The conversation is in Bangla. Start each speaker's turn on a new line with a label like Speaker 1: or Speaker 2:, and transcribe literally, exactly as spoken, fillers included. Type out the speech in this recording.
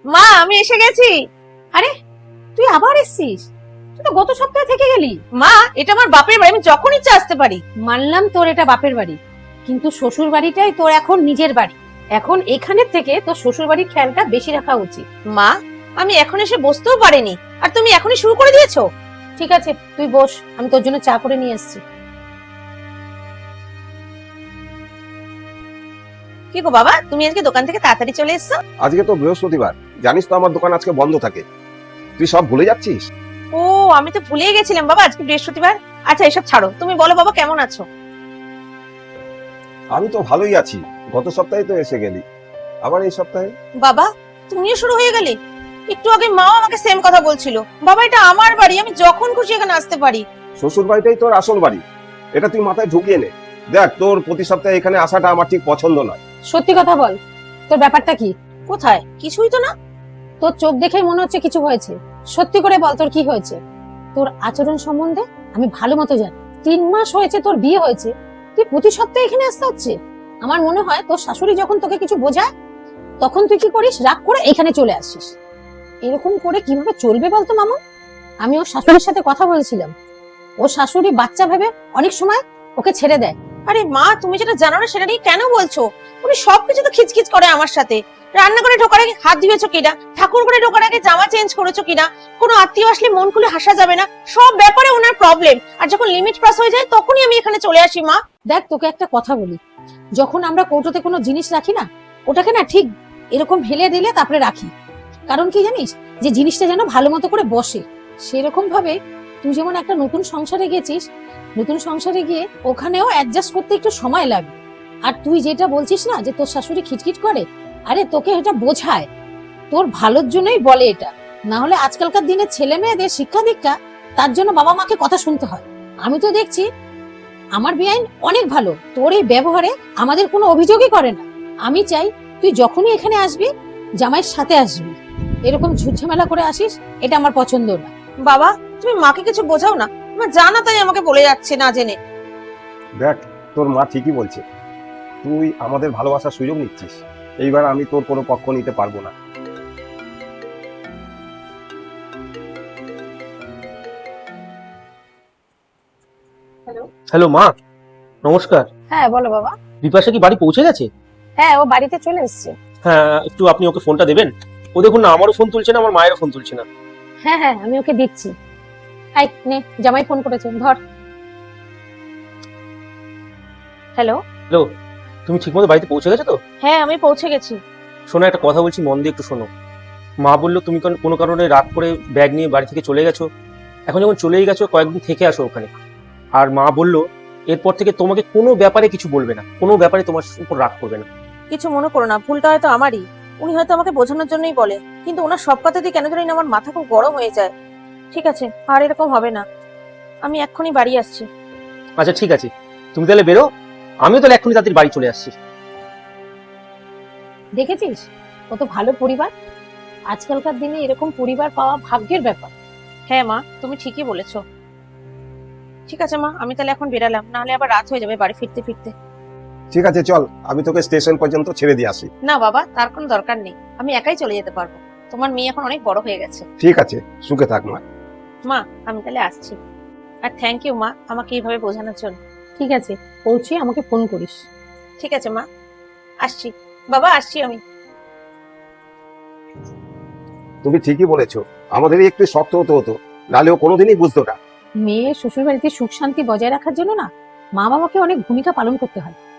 Speaker 1: মা আমি এসে গেছি।
Speaker 2: আরে তুই আবার এসেছিস? তুই তো গত সপ্তাহে থেকে গেলি।
Speaker 1: মা এটা আমার বাপের বাড়ি, আমি যখন ইচ্ছা আসতে পারি।
Speaker 2: মানলাম তোর এটা বাপের বাড়ি, কিন্তু শ্বশুর বাড়িটাই তোর এখন নিজের বাড়ি। এখন এখানের থেকে তোর শ্বশুর বাড়ির খেয়ালটা বেশি রাখা উচিত।
Speaker 1: মা আমি এখন এসে বসতেও পারিনি, আর তুমি এখনই শুরু করে দিয়েছো।
Speaker 2: ঠিক আছে তুই বস, আমি তোর জন্য চা করে নিয়ে এসেছি।
Speaker 1: কি গো বাবা, তুমি আজকে দোকান থেকে তাড়াতাড়ি চলে এসছো?
Speaker 3: আজকে তো বৃহস্পতিবার, জানিস তো আমার দোকান আজকে বন্ধ থাকে। তুই সব ভুলে যাচ্ছিস?
Speaker 1: ও আমি তো ভুলেই গেছিলাম বাবা, আজকে বৃহস্পতিবার। আচ্ছা এসব ছাড়ো, তুমি বলো বাবা কেমন আছো?
Speaker 3: আমি তো ভালোই আছি, গত সপ্তাহে তো এসে গেলি, আবার এই সপ্তাহে?
Speaker 1: বাবা তুমিও শুরু হয়ে গেলে? একটু আগে মাও আমাকে সেম কথা বলছিল। বাবা এটা আমার বাড়ি, আমি যখন খুশি এখানে আসতে পারি।
Speaker 3: শ্বশুর বাড়িটাই তোর আসল বাড়ি, এটা তুই মাথায় ঢুকিয়ে নে। দেখ, তোর প্রতি সপ্তাহে এখানে আসাটা আমার ঠিক পছন্দ নয়।
Speaker 2: সত্যি কথা বল, তোর ব্যাপারটা কি?
Speaker 1: কোথায়? কিছুই তো না।
Speaker 2: তোর চোখ দেখেই মনে হচ্ছে কিছু হয়েছে। সত্যি করে বল তোর কি হয়েছে? তোর আচরণ সম্বন্ধে আমি ভালো মতো জানি। তিন মাস হয়েছে তোর বিয়ে হয়েছে, তুই প্রতি সপ্তাহে এখানে আসতে হচ্ছে। আমার মনে হয় তোর শাশুড়ি যখন তোকে কিছু বোঝায় তখন তুই কি করিস, রাগ করে এখানে চলে আসিস। এরকম করে কিভাবে চলবে বলতো মামা? আমি ওর শাশুড়ির সাথে কথা বলছিলাম, ওর শাশুড়ি বাচ্চা ভেবে অনেক সময় ওকে ছেড়ে দেয়।
Speaker 1: আরে মা তুমি যেটা জানো না সেটা নিয়ে কেন বলছো? উনি সবকিছু তো খিচখিচ করে আমার সাথে। রান্নাঘরে ঢোকার আগে হাত ধুয়েছো কিনা, ঠাকুর ঘরে ঢোকার আগে জামা চেঞ্জ করেছো কিনা, কোনো আত্মীয় আসলে মন খুলে হাসা যাবে না, সব ব্যাপারে ওনার প্রবলেম। আর যখন লিমিট ক্রস হয়ে যায় তখনই আমি এখানে চলে আসি। মা
Speaker 2: দেখ তোকে একটা কথা বলি, যখন আমরা কৌটোতে কোনো জিনিস রাখি না, ওটাকে না ঠিক এরকম ফেলে দিলে তারপরে রাখি। কারণ কি জানিস, যে জিনিসটা যেন ভালো মতো করে বসে। সেরকম ভাবে তুই যেমন একটা নতুন সংসারে গেছিস, নতুন সংসারে গিয়ে ওখানেও অ্যাডজাস্ট করতে একটু সময় লাগবে। আর তুই যেটা বলছিস না যে তোর শাশুড়ি খিটখিট করে, আরে তোকে এটা বোঝায়, তোর ভালোর জন্যই বলে এটা। না হলে আজকালকার দিনে ছেলে মেয়েদের শিক্ষা দীক্ষা, তার জন্য বাবা মাকে কথা শুনতে হয়। আমি তো দেখছি আমার বেআইন অনেক ভালো, তোর এই ব্যবহারে আমাদের কোনো অভিযোগই করে না। আমি চাই তুই যখনই এখানে আসবি জামাইয়ের সাথে আসবি, এরকম ঝুটঝামেলা করে আসিস এটা আমার পছন্দ না।
Speaker 1: বাবা তুমি মাকে কিছু বোঝাও না, আমার জানা তাই আমাকে বলে যাচ্ছে না জেনে।
Speaker 3: দেখ, তোর মা ঠিকই বলছে, তুই আমাদের ভালোবাসার সুযোগ নিচ্ছিস। এইবার আমি তোর কোনো পক্ষ নিতে পারবো না।
Speaker 4: হ্যালো মা, নমস্কার।
Speaker 2: হ্যাঁ বলো বাবা।
Speaker 4: বিপাশা কি বাড়ি পৌঁছে গেছে?
Speaker 2: হ্যাঁ ও বাড়িতে চলে এসেছে।
Speaker 4: হ্যাঁ, একটু আপনি ওকে ফোনটা দেবেন। ও দেখুন না, আমারও ফোন তুলছে না, আমার মায়েরও ফোন তুলছে না।
Speaker 2: হ্যাঁ হ্যাঁ আমি ওকে দিচ্ছি। আই নে, জামাই ফোন করেছে, ধর।
Speaker 1: হ্যালো।
Speaker 4: হ্যালো, তুমি ঠিকমতো বাড়িতে পৌঁছে গেছো তো?
Speaker 1: হ্যাঁ আমি পৌঁছে গেছি।
Speaker 4: শোনো, একটা কথা বলছি, মন দিয়ে একটু শোনো। মা বললো তুমি কোন- কোনো কারণে রাত করে ব্যাগ নিয়ে বাড়ি থেকে চলে গেছো। এখন যখন চলেই গেছো, কয়েকদিন থেকে আসো ওখানে। আর মা বললো এরপর থেকে তোমাকে কোনো ব্যাপারে কিছু বলবে না, কোনো ব্যাপারে তোমার উপর রাগ করবে না।
Speaker 1: কিছু মনে করো না, ভুলটা হয়তো আমারই। উনি হয়তো আমাকে বোঝানোর জন্যই বলে, কিন্তু ওনার সব কথাতেই কেন জানি না আমার মাথা খুব গরম হয়ে যায়। ঠিক আছে, আর এরকম হবে না। আমি এক্ষুনি বাড়ি আসছি।
Speaker 4: আচ্ছা ঠিক আছে, তুমি তাহলে বেরো, আমিও তাহলে এক্ষুনি তাদের বাড়ি চলে আসছি।
Speaker 2: দেখেছিস কত ভালো পরিবার। আজকালকার দিনে এরকম পরিবার পাওয়া ভাগ্যের ব্যাপার।
Speaker 1: হ্যাঁ মা তুমি ঠিকই বলেছো। ঠিক আছে মা, আমি তাহলে এখন বেরালাম, নাহলে আবার রাত হয়ে যাবে বাড়ি ফিরতে ফিরতে।
Speaker 3: ঠিক আছে, চল আমি তোকে স্টেশন পর্যন্ত ছেড়ে দিয়ে আসি।
Speaker 1: না বাবা, তার কোনো দরকার নেই, আমি একাই চলে যেতে পারবো। তোমার মেয়ে এখন অনেক বড় হয়ে গেছে।
Speaker 3: ঠিক আছে, সুখে থাক মা।
Speaker 1: মা আমি তাহলে আসছি। আর থ্যাংক ইউ মা আমাকে এইভাবে বোঝানোর জন্য।
Speaker 2: ঠিক আছে, পৌঁছে আমাকে ফোন করিস।
Speaker 1: ঠিক আছে মা, আসছি। বাবা আসছি আমি।
Speaker 3: তুমি ঠিকই বলেছো, আমাদেরই একটু শক্ত হতে হতো, নাহলে ও কোনোদিনই বুঝতো না।
Speaker 2: মেয়ে শ্বশুর বাড়িতে সুখ শান্তি বজায় রাখার জন্য না মা বাবাকে অনেক ভূমিকা পালন করতে হয়।